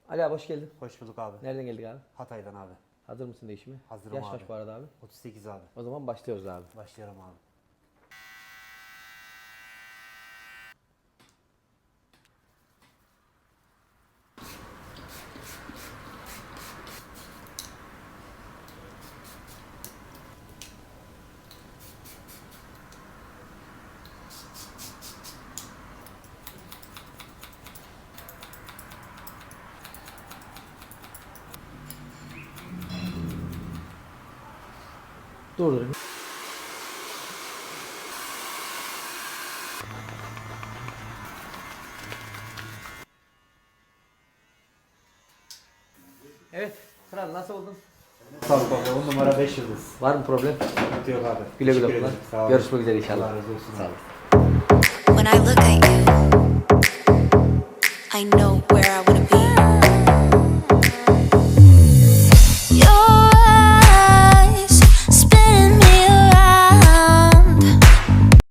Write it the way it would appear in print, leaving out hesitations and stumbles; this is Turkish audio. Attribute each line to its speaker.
Speaker 1: Ali abi hoş geldin.
Speaker 2: Hoş bulduk abi.
Speaker 1: Nereden geldik abi?
Speaker 2: Hatay'dan abi.
Speaker 1: Hazır mısın değişime?
Speaker 2: Hazırım
Speaker 1: Yaş
Speaker 2: abi.
Speaker 1: kaç bu arada abi?
Speaker 2: 38 abi.
Speaker 1: O zaman başlıyoruz abi.
Speaker 2: Başlayalım abi.
Speaker 1: Durdurun. Evet. Kral nasıl oldun?
Speaker 2: Sağ ol baba. 10 numara 5 yıldız.
Speaker 1: Var mı problem?
Speaker 2: Sıkıntı yok abi.
Speaker 1: Güle güle
Speaker 2: Teşekkür
Speaker 1: kullan.
Speaker 2: ederim. Sağ ol.
Speaker 1: Görüşmek üzere inşallah.
Speaker 2: Allah razı olsun.
Speaker 1: Sağ ol.
Speaker 3: When I look at you, I know